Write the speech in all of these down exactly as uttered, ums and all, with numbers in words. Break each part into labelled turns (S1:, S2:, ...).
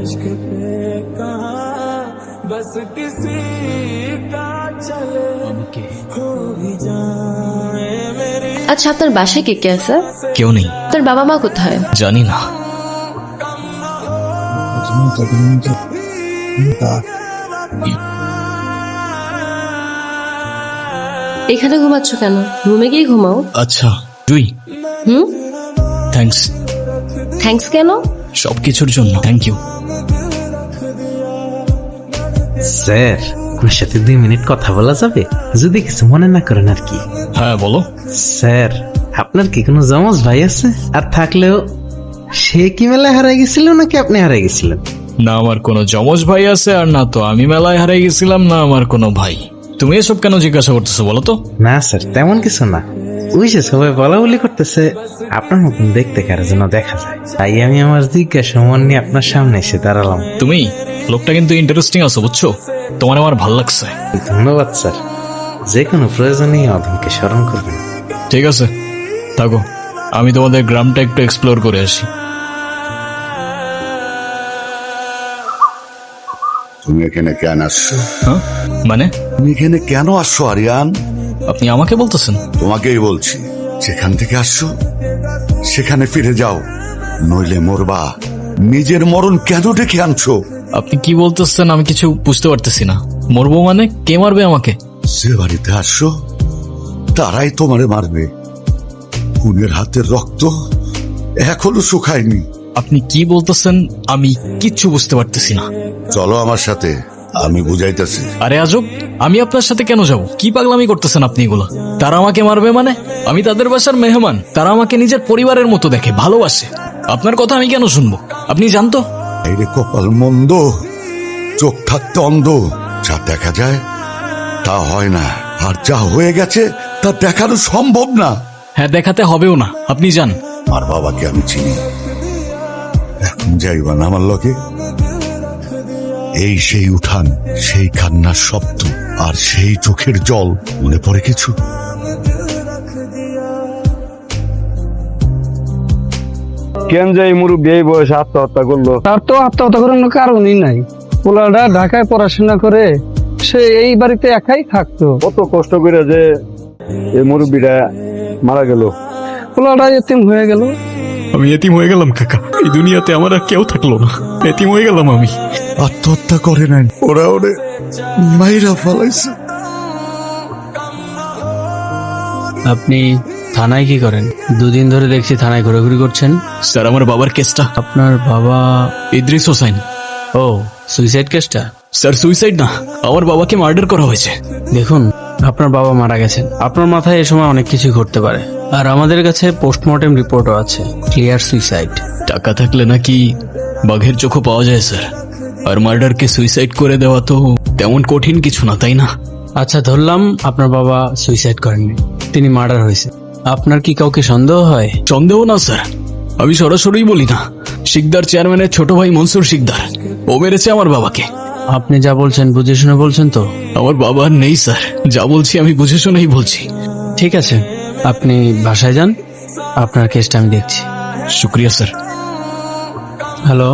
S1: बस किसी का चले हो भी जाए मेरी।
S2: আচ্ছা, আপনার বাসায় কে কে আছে?
S3: কেউ নেই।
S2: আপনার বাবা মা কোথায়?
S3: জানি না।
S2: এখানে ঘুমাচ্ছ কেন? রুমে গিয়ে ঘুমাও।
S3: আচ্ছা তুই
S2: হুম,
S3: থ্যাঙ্কস।
S2: থ্যাঙ্কস কেন?
S3: সবকিছুর জন্য থ্যাংক ইউ।
S4: স্যার, আপনার সাথে দুই মিনিট কথা বলা যাবে? যদি কিছু মনে না করেন আর কি।
S3: হ্যাঁ বলো।
S4: স্যার, আপনার কি কোনো জমজ ভাই আছে? আর থাকলেও সে কি মেলায় হারাই গেছিল নাকি আপনি হারাই গেছিলেন?
S3: না আমার কোনো যমজ ভাই আছে, আর না তো আমি মেলায় হারাই গেছিলাম, না আমার কোনো ভাই। তুমি এসব কেন জিজ্ঞাসা করতেছো বলো তো?
S4: না স্যার, তেমন কিছু না। ওই যে সবাই বলা বলি করতেছে আপনার মতন দেখতে কারো যেন দেখা যায়, তাই আমি আমার জিজ্ঞাসা মন নিয়ে আপনার সামনে এসে দাঁড়ালাম।
S3: তুমি লোকটা কিন্তু ইন্টারেস্টিং আছো বুঝছো, তোমার আমার ভাল লাগছে।
S4: ধন্যবাদ স্যার, যে কোনো প্রয়োজনে অধমকে স্মরণ করবেন।
S3: ঠিক আছে থাকো, আমি তোমাদের গ্রামটা একটু এক্সপ্লোর করে আসি।
S5: তুমি এখানে কেন আসছো?
S3: হ্যাঁ মানে?
S5: তুমি এখানে কেন আসছো আরিয়ান?
S3: আপনি আমাকে বলতেছেন?
S5: তোমাকেই বলছি, যেখান থেকে আসছো সেখানে ফিরে যাও, নইলে মরবা। নিজের মরণ কেন ডেকে আনছো?
S3: আপনি কি বলতেছেন আমি কিছু বুঝতে পারতেছি না। মরবো মানে? কে মারবে আমাকে?
S5: যে বাড়িতে আসছো তারাই তোমারে মারবে। খুনের হাতের রক্ত এখনো শুকায়নি।
S3: আপনি কি বলতেছেন আমি কিচ্ছু বুঝতে পারতেছি না।
S5: চলো আমার সাথে, আমি বুঝাইতেছি।
S3: আরে আজব, আমি আপনার সাথে কেন যাব? কি পাগলামি করতেছেন আপনি এগুলো? তারা আমাকে মারবে মানে? আমি তাদের বাসার মেহমান, তারা আমাকে নিজের পরিবারের মতো দেখে, ভালোবাসে। আপনার কথা আমি কেন শুনবো? আপনি জানতো?
S5: এই রে কপাল মন্দ, চোখ থাকতে অন্ধ। যা দেখা যায় তা হয় না, আর যা হয়ে গেছে তা দেখানো সম্ভব না।
S3: হ্যাঁ দেখাতে হবেও না, আপনি যান।
S5: আর বাবাকে আমি চিনি, এখন যাইবা না আমার লগে? এই সেই উঠান, সেই কান্নার শব্দ, আর সেই চোখের জল, মনে পড়ে কিছু?
S6: কেন যে এই মুরব্বী এই বয়সে আত্মহত্যা করলো?
S7: তার তো আত্মহত্যা করার কারণই নাই। পোলাটা ঢাকায় পড়াশোনা করে সে এই বাড়িতে একাই থাকতো।
S6: কত কষ্ট করে যে এই মুরব্বীটা মারা গেল।
S7: পোলাটা এতিম হয়ে গেল।
S3: আমি এতিম হয়ে গেলাম কাকা, এই দুনিয়াতে আমার আর কেউ থাকলো না, এতিম হয়ে গেলাম আমি।
S5: আত্মহত্যা করে নাই, ওরা ওরে মাইরা ফেলাইছে।
S8: আপনি থানায় কি করেন? দুদিন ধরে দেখছি থানায় ঘোরাঘুরি করছেন।
S3: স্যার আমার বাবার কেসটা।
S8: আপনার বাবা?
S3: ইদ্রিস হোসেন।
S8: ও, সুইসাইড কেসটা?
S3: স্যার সুইসাইড না, আমার বাবাকে মার্ডার করা হয়েছে।
S8: দেখুন, আপনার বাবা মারা গেছেন, আপনার মাথায় এ সময় অনেক কিছু ঘটতে পারে। আর আমাদের কাছে পোস্টমর্টেম রিপোর্টও আছে, ক্লিয়ার সুইসাইড।
S3: টাকা থাকলে নাকি বাঘের চোখও পাওয়া যায় স্যার, আর মার্ডারকে সুইসাইড করে দেওয়া তো তেমন কঠিন কিছু না, তাই না?
S8: আচ্ছা ধরলাম আপনার বাবা সুইসাইড করেননি, তিনি মার্ডার হয়েছে। আপনার কি কাউকে সন্দেহ হয়?
S3: সন্দেহ না স্যার, আমি সরাসরি বলি না। শিকদার চেয়ারম্যানের ছোট ভাই মনসুর শিকদার, ও মেরেছে আমার বাবাকে।
S8: আপনি যা বলছেন বুঝে শুনে বলছেন তো?
S3: আমার বাবা আর নেই স্যার, যা বলছি আমি বুঝে শুনেই বলছি।
S8: ঠিক আছে, আপনি বাসায় যান, আপনার কেসটা আমি দেখছি।
S3: শুক্রিয়া স্যার।
S8: হ্যালো,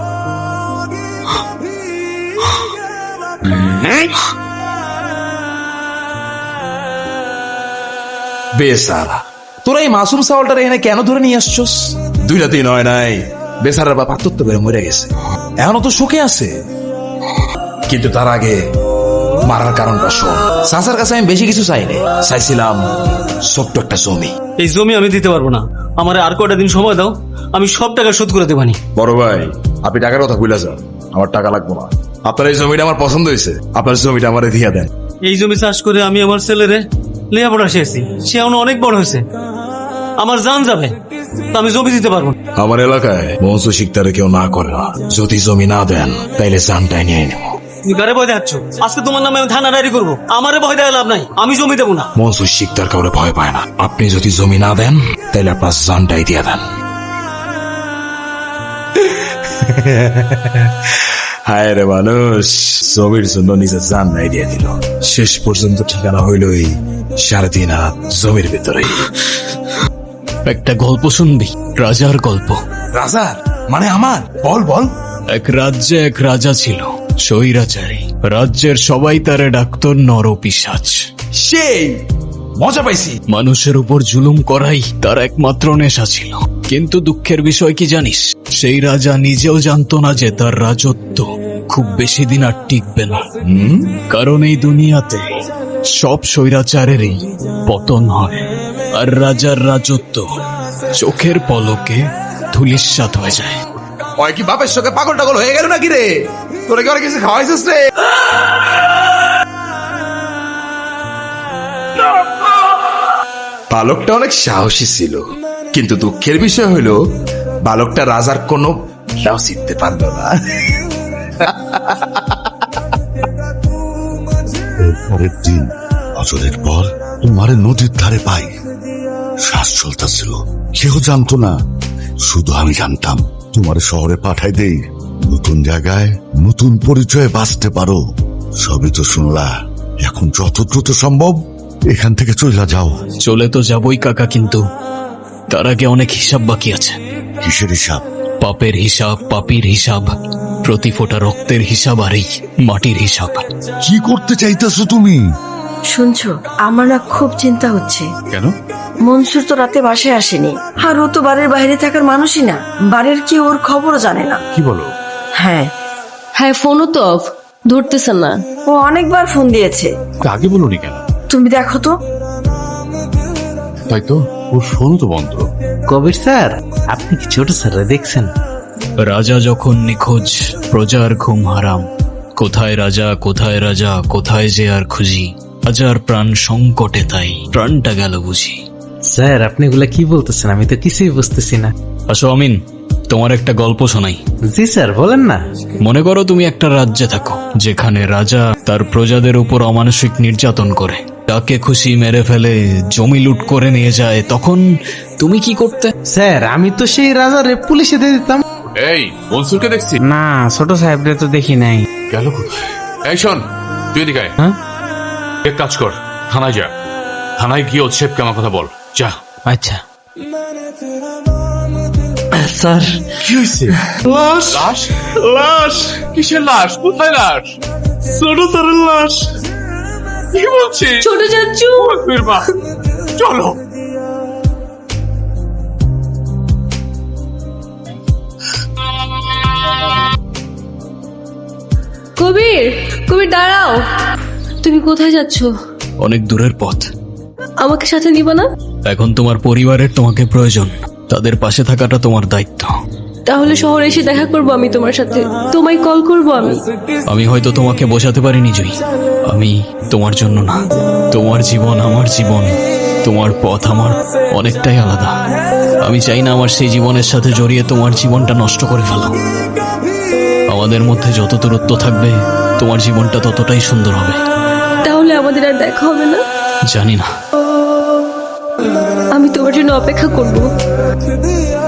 S9: বেসারা, তোরা এই মাসুম সাওয়ালটার এখানে কেন ধরে নিয়ে আসছস? দুই রাতে নয় নাই, বেসারার বাপ আত্মহত্যা করে মরে গেছে, এখনো তো সুখে আছে। কিন্তু তার আগে মারার কারণটা শোন। সাসার কাছে আমি বেশি কিছু চাইনি, চাইছিলাম ছোট্ট একটা জমি।
S10: এই জমি আমি দিতে পারবো না, আমার আর কয়টা দিন সময় দাও, আমি সব টাকা শোধ করে দেবানি।
S9: বড় ভাই, আপনি টাকার কথা ভুলে যান, আমার টাকা লাগবো না। আপনার এই জমিটা আমার পছন্দ হয়েছে, আপনার জমিটা আমারে দিয়ে দেন।
S10: এই জমি চাষ করে আমি আমার ছেলেরে লেখাপড়া শিখেছি, সে এখন অনেক বড় হয়েছে, আমার জান যাবে, তো আমি জমি দিতে পারবো না।
S9: আমার এলাকায় মনসু শিকদারে কেউ না করে না, যদি জমি না দেন তাইলে জানটাই নিয়ে নেব।
S10: তুমি কারে ভয় দেখাচ্ছ? আজকে তোমার নামে আমি থানা ডায়েরি করবো, আমারে ভয় দেওয়া লাভ নাই, আমি জমি দেবো না।
S9: মনসুর শিকদার কাউরে ভয় পায় না, আপনি যদি জমি না দেন তাহলে আপনার জানটাই দিয়ে দেন। হায় রে মানুষ, জমির জন্য নিজের জান নাই দিয়ে দিল, শেষ পর্যন্ত ঠিকানা হইল এই সাড়ে তিন হাত জমির ভেতরে।
S3: একটা গল্প শুনবি? রাজার গল্প।
S9: রাজার মানে আমার? বল বল।
S3: এক রাজ্যে এক রাজা ছিল, স্বৈরাচারী। রাজ্যের সবাই তারে ডাকত নরপিশাচ।
S9: সেই মজা পাইছি।
S3: মানুষের উপর জুলুম করাই তার একমাত্র নেশা ছিল। কিন্তু দুঃখের বিষয় কি জানিস, সেই রাজা নিজেও জানতো না যে তার রাজত্ব খুব বেশি দিন আর টিকবে না। কারণ এই দুনিয়াতে সব স্বৈরাচারেরই পতন হয়, আর রাজার রাজত্ব চোখের পলকে ধূলিসাৎ হয়ে যায়।
S9: ওই কি বাপের সঙ্গে পাগল টাগল হয়ে গেল নাকি রে? তোরা কি অনেক কিছু খাওয়াইছিস রে? বালকটা অনেক সাহসী ছিল, কিন্তু দুঃখের বিষয় হলো বালকটা রাজার কোনো খেয়াও শিখতে পারল না।
S5: পরের দিন বছরের পর তোমারে নদীর ধারে পাই। শ্বাস চলতেছিল, কেউ জানতো না, শুধু আমি জানতাম। তোমার শহরে পাঠাই দেই, নতুন জায়গায় নতুন পরিচয়ে বাঁচতে পারো। সবই তো শুনলা, এখন যত দ্রুত সম্ভব এখান থেকে চলে যাও।
S3: চলে তো যাবই কাকা, কিন্তু তার আগে অনেক হিসাব বাকি আছে।
S5: কিসের হিসাব?
S3: পাপের হিসাব, পাপীর হিসাব, প্রতি ফোঁটা রক্তের হিসাব, আর এই মাটির হিসাব।
S5: কি করতে চাইতেছো তুমি?
S11: শুনছো, আমার না খুব চিন্তা হচ্ছে।
S9: কেন?
S11: মনসুর তো রাতে বাসায় আসেনি, আর ও তো বাড়ির বাইরে থাকার মানুষই না। বাড়ির কি ওর খবরও জানে না।
S9: কি বলো?
S11: হ্যাঁ,
S2: হ্যাঁ, ফোনও তো অফ, ধরতেছে না।
S11: ও অনেকবার ফোন দিয়েছে।
S9: আগে বলনি কেন?
S11: তুমি দেখো তো।
S9: তাই তো, ওর ফোন তো বন্ধ।
S4: কবির স্যার, আপনি কি ছোট স্যাররা দেখছেন?
S3: রাজা যখন নিখোঁজ, প্রজার ঘুম হারাম। কোথায় রাজা, কোথায় রাজা, কোথায় যে আর খুঁজি। রাজার প্রাণ সংকটে, তাই প্রাণটা গেল বুঝি।
S4: স্যার, আপনি এগুলা কি বলতেছেন? আমি তো কিছুই বুঝতেছি না।
S3: আসো আমিন, তোমার একটা গল্প শোনাই।
S4: জি স্যার, বলেন না।
S3: মনে করো তুমি একটা রাজ্যে থাকো, যেখানে রাজা তার প্রজাদের উপর অমানসিক নির্যাতন করে, তাকে খুশি মেরে ফেলে, জমি লুট করে নিয়ে যায়। তখন তুমি কি করতে?
S4: স্যার, আমি তো সেই রাজারে পুলিশে দিয়ে দিতাম।
S9: এই মনসুরকে দেখছি।
S8: না, ছোট সাহেবরে তো দেখি নাই।
S9: গেল কোথায়? এই শোন, তুই এদিকে আয়।
S8: হ্যাঁ?
S9: এক কাজ কর, থানায় যা। থানায় গিয়ে ওর শেফকে আমার কথা বল, যা।
S8: আচ্ছা স্যার।
S9: কি হয়েছে? লাশ লাশ লাশ কিসের লাশ? কোথায় লাশ? ছোট স্যারের লাশ। কি বলছিস?
S2: ছোট চাচু,
S9: মা, চলো।
S2: কবির, কবির দাঁড়াও। তুমি কোথায় যাচ্ছ?
S3: অনেক দূরের পথ।
S2: আমাকে সাথে নিবা না?
S3: এখন তোমার পরিবারের তোমাকে প্রয়োজন, তাদের পাশে থাকাটা তোমার দায়িত্ব।
S2: তাহলে শহরে এসে দেখা করবো আমি তোমার সাথে, তোমায় কল করবো আমি।
S3: আমি হয়তো তোমাকে বোঝাতে পারিনি জুই, আমি তোমার জন্য না। তোমার জীবন আমার জীবন, তোমার পথ আমার অনেকটাই আলাদা। আমি চাই না আমার সেই জীবনের সাথে জড়িয়ে তোমার জীবনটা নষ্ট করে ফেলো। আমাদের মধ্যে যত দূরত্ব থাকবে, তোমার জীবনটা ততটাই সুন্দর হবে।
S2: তাহলে আমাদের আর দেখা হবে না?
S3: জানি না।
S2: আমি তোমার জন্য অপেক্ষা করবো।